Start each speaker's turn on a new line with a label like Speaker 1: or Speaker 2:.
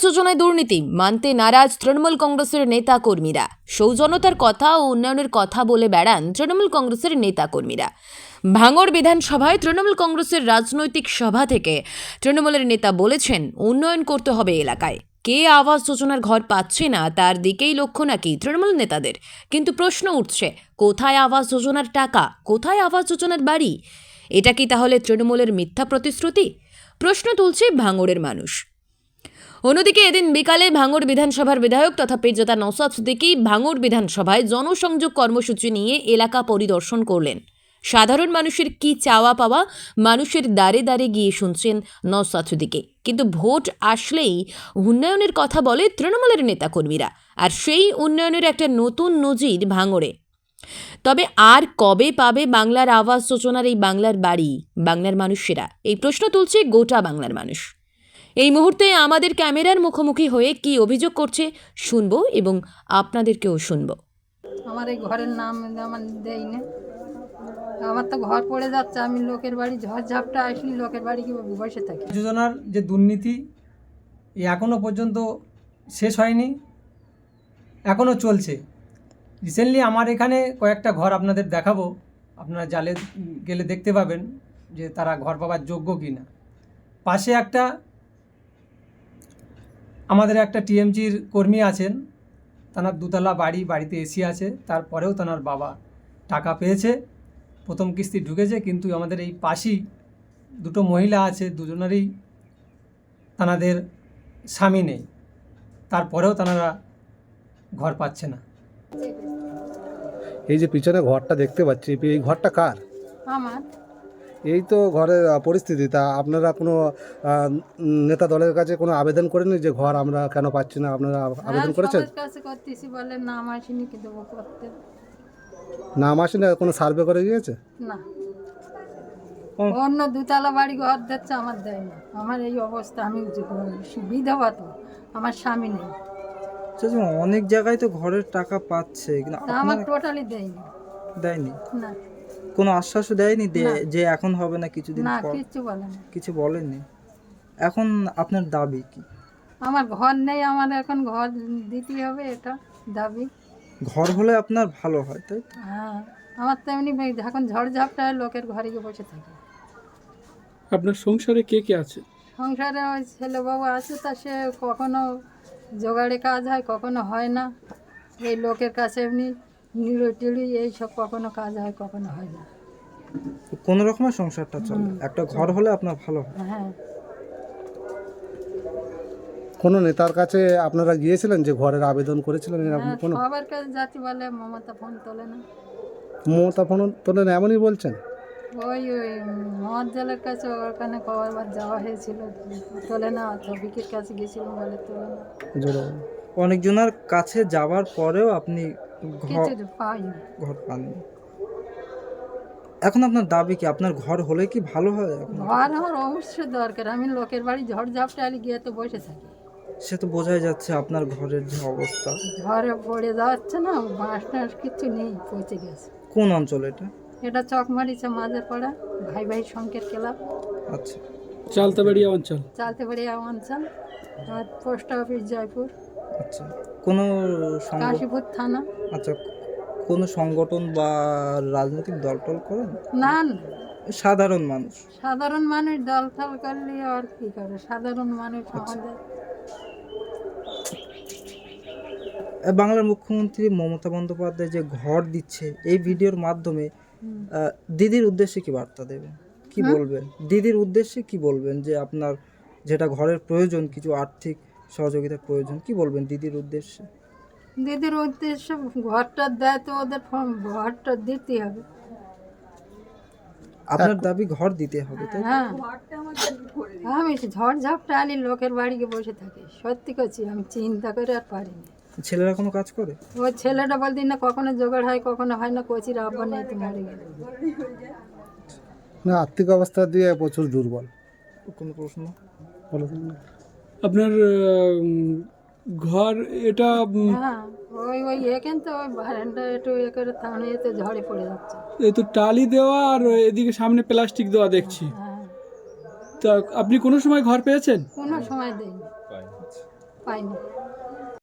Speaker 1: যোজনায় দুর্নীতি মানতে নারাজ তৃণমূল কংগ্রেসের নেতা কর্মীরা। সৌজন্যতার কথা ও উন্নয়নের কথা বলে বেড়ান তৃণমূল কংগ্রেসের নেতা কর্মীরা। ভাঙড় বিধানসভায় তৃণমূল কংগ্রেসের রাজনৈতিক সভা থেকে তৃণমূলের নেতা বলেছেন, উন্নয়ন করতে হবে এলাকায়। কে আবাস যোজনার ঘর পাচ্ছে না তার দিকেই লক্ষ্য নাকি তৃণমূল নেতাদের। কিন্তু প্রশ্ন উঠছে, কোথায় আবাস যোজনার টাকা, কোথায় আবাস যোজনার বাড়ি? এটা কি তাহলে তৃণমূলের মিথ্যা প্রতিশ্রুতি? প্রশ্ন তুলছে ভাঙড়ের মানুষ। অন্যদিকে এদিন বিকালে ভাঙড় বিধানসভার বিধায়ক তথা পীরজাদা নওশাদ সিদ্দিকী ভাঙড় বিধানসভায় জনসংযোগ কর্মসূচি নিয়ে এলাকা পরিদর্শন করলেন। সাধারণ মানুষের কি চাওয়া পাওয়া মানুষের দ্বারে দ্বারে গিয়ে শুনছেন নওশাদ সিদ্দিকী। কিন্তু ভোট আসলেই উন্নয়নের কথা বলে তৃণমূলের নেতাকর্মীরা, আর সেই উন্নয়নের একটা নতুন নজির ভাঙড়ে। তবে আর কবে পাবে বাংলার আবাস যোজনার এই বাংলার বাড়ি বাংলার মানুষেরা? এই প্রশ্ন তুলছে গোটা বাংলার মানুষ। এই মুহূর্তে আমাদের ক্যামেরার মুখোমুখি হয়ে কি অভিযোগ করছে শুনবো এবং আপনাদেরকেও শুনবো।
Speaker 2: আমার এই ঘরের নাম আমার দেই না, আমার তো ঘর পড়ে যাচ্ছে। আমি লোকের বাড়ি ঝড়ঝাপটা আসলে লোকের বাড়ি কি বসে থাকি।
Speaker 3: যোজনার যে দুর্নীতি এখনও পর্যন্ত শেষ হয়নি, এখনও চলছে। রিসেন্টলি আমার এখানে কয়েকটা ঘর আপনাদের দেখাবো, আপনারা জালে গেলে দেখতে পাবেন যে তারা ঘর পাওয়ার যোগ্য কি না। পাশে আমাদের একটা টিএমজির কর্মী আছেন, তার দুতলা বাড়িতে এসি আছে, তারপরেও তার বাবা টাকা পেয়েছে, প্রথম কিস্তি ঢুকেছে। কিন্তু আমাদের এই পাশেই দুটো মহিলা আছে, দুজনেরই তাদের স্বামী নেই, তারপরেও তারা ঘর পাচ্ছে না।
Speaker 4: এই যে পিছনে ঘরটা দেখতে পাচ্ছি, এই ঘরটা কার?
Speaker 2: আমার
Speaker 4: এই তো ঘরের পরিস্থিতি। তা আপনারা কোনো নেতা দলের কাছে কোনো আবেদন করেননি যে ঘর আমরা কেন পাচ্ছি না? আপনারা আবেদন করেছেন?
Speaker 2: সবার কাছে করতেছি, বলে নাম আসেনি, কি দেবো করতে?
Speaker 4: নাম আসে না? কোনো সার্ভে করে গিয়েছে?
Speaker 2: না, অন্য দুতলা বাড়ি ঘর দিচ্ছে, আমার দেয় না। আমার এই অবস্থা, আমি বিধবা, তো আমার স্বামী নেই।
Speaker 5: অনেক জায়গায় তো ঘরের টাকা পাচ্ছে, কিন্তু
Speaker 2: তা আমার টোটালি দেয়নি।
Speaker 5: দেয়নি?
Speaker 2: না,
Speaker 5: কোনো আশ্বাসও দেয়নি
Speaker 2: না।
Speaker 5: যে এখন হবে না, কিছুদিন
Speaker 2: না,
Speaker 5: পর?
Speaker 2: কিচ্ছু বলে না।
Speaker 5: কিছু বলেনি। এখন আপনার দাবি কি?
Speaker 2: আমার ঘর নেই, আমার এখন ঘর দিতে হবে, এটা দাবি।
Speaker 5: ঘর হলে আপনার ভালো হয়, তাই তো?
Speaker 2: হ্যাঁ, আমার তো এমনি এখন ঝড়ঝাপটা হয়, লোকের ঘরে গিয়ে বসে থাকে।
Speaker 6: আপনার সংসারে কে কে আছে?
Speaker 2: সংসারে ওই ছেলে বাবু আছে, তা সে কখনো জোগাড়ে কাজ হয়, কখনো হয় না। এই লোকের কাছে এমনি নিড়ু টিড়ি এইসব কখনো কাজ হয়, কখনো হয় না।
Speaker 5: কোনো রকমের সংসারটা চলে, একটা ঘর হলে আপনার ভালো হয়।
Speaker 2: হ্যাঁ,
Speaker 4: কোনো নেতার কাছে আপনারা গিয়েছিলেন যে ঘরের আবেদন করেছিলেন? এরকম
Speaker 2: হ্যাঁ,
Speaker 4: কোনো
Speaker 2: সবার কাছে যাচ্ছি, বলে মমতা ফোন তোলে না।
Speaker 4: মমতা ফোন তোলেন এমনই বলছেন?
Speaker 2: ওই মহাদ জলের কাছে ওখানে কবার যাওয়া হয়েছিল, তোলে না। ছবিকের কাছে গেছিলাম, বলে তোলে না।
Speaker 4: জোরে বলুন।
Speaker 5: অনেকজনের কাছে যাওয়ার পরেও আপনি
Speaker 2: কিছু পাইনি।
Speaker 5: ঘর পাননি। এখন আপনার দাবি কি? আপনার ঘর হলে কি ভালো হয়?
Speaker 2: ঘর আমার অবশ্যই দরকার। আমি লোকের বাড়ি ঝড়ঝাপটা আলি গিয়ে তো বসে থাকি।
Speaker 5: সে তো বোঝাই যাচ্ছে আপনার ঘরের যে অবস্থা।
Speaker 2: ঝড়ে পড়ে যাচ্ছে না, বাঁশ টাঁশ কিছু নেই, পচে গেছে।
Speaker 5: কোন অঞ্চল এটা?
Speaker 2: এটা চকমারিচা মাঝের পাড়া, ভাই ভাই সংকেত ক্লাব,
Speaker 5: আচ্ছা,
Speaker 6: চালতাবাড়িয়া অঞ্চল।
Speaker 2: চালতে পারি অঞ্চল, আর পোস্ট অফিস জয়পুর,
Speaker 5: আচ্ছা। কোনো
Speaker 2: কাশীপুর থানা।
Speaker 5: আচ্ছা, কোনো সংগঠন বা রাজনৈতিক দল টল করেন?
Speaker 2: না না,
Speaker 5: সাধারণ মানুষ।
Speaker 2: সাধারণ মানুষ দল ফল করলে আর কি করে, সাধারণ মানুষ আমাদের।
Speaker 5: বাংলার মুখ্যমন্ত্রী মমতা বন্দ্যোপাধ্যায় যে ঘর দিচ্ছে, এই ভিডিওর মাধ্যমে দিদির উদ্দেশ্যে কি বার্তা দেবেন? কি বলবেন দিদির উদ্দেশ্যে? কি বলবেন যে আপনার যেটা ঘরের প্রয়োজন, কিছু আর্থিক সহযোগিতার প্রয়োজন, কি বলবেন দিদির উদ্দেশ্যে?
Speaker 2: দিদির উদ্দেশ্যে ঘরটা দেয় তো ওদের ঘরটা দিতে হবে।
Speaker 5: আপনার দাবি ঘর দিতে হবে, তাই?
Speaker 2: হ্যাঁ, আমি ঝড়ঝাপটা আলি লোকের বাড়ি গিয়ে বসে থাকি। সত্যি করছি, আমি চিন্তা করে আর পারিনি।
Speaker 5: ছেলেরা কোনো কাজ করে?
Speaker 2: ওই ছেলেটা বলতে না, কখনো জোগাড় হয়, কখনো হয় না। কচির আব্বা নেই, তো মরে গেল।
Speaker 4: না, আর্থিক অবস্থা দিয়ে প্রচুর দুর্বল।
Speaker 5: কোনো প্রশ্ন?
Speaker 4: বলুন।
Speaker 6: আপনার ঘর এটা
Speaker 2: হ্যাঁ, ওই এখান তো ওই বারান্দা একটু এ করে থামে, তো ঝড়ে পড়ে যাচ্ছে।
Speaker 6: এই তো টালি দেওয়া আর এদিকে সামনে প্লাস্টিক দেওয়া দেখছি।
Speaker 2: হ্যাঁ,
Speaker 6: তা আপনি কোনো সময় ঘর পেয়েছেন?
Speaker 2: কোনো সময় দেয়নি। পাইনি।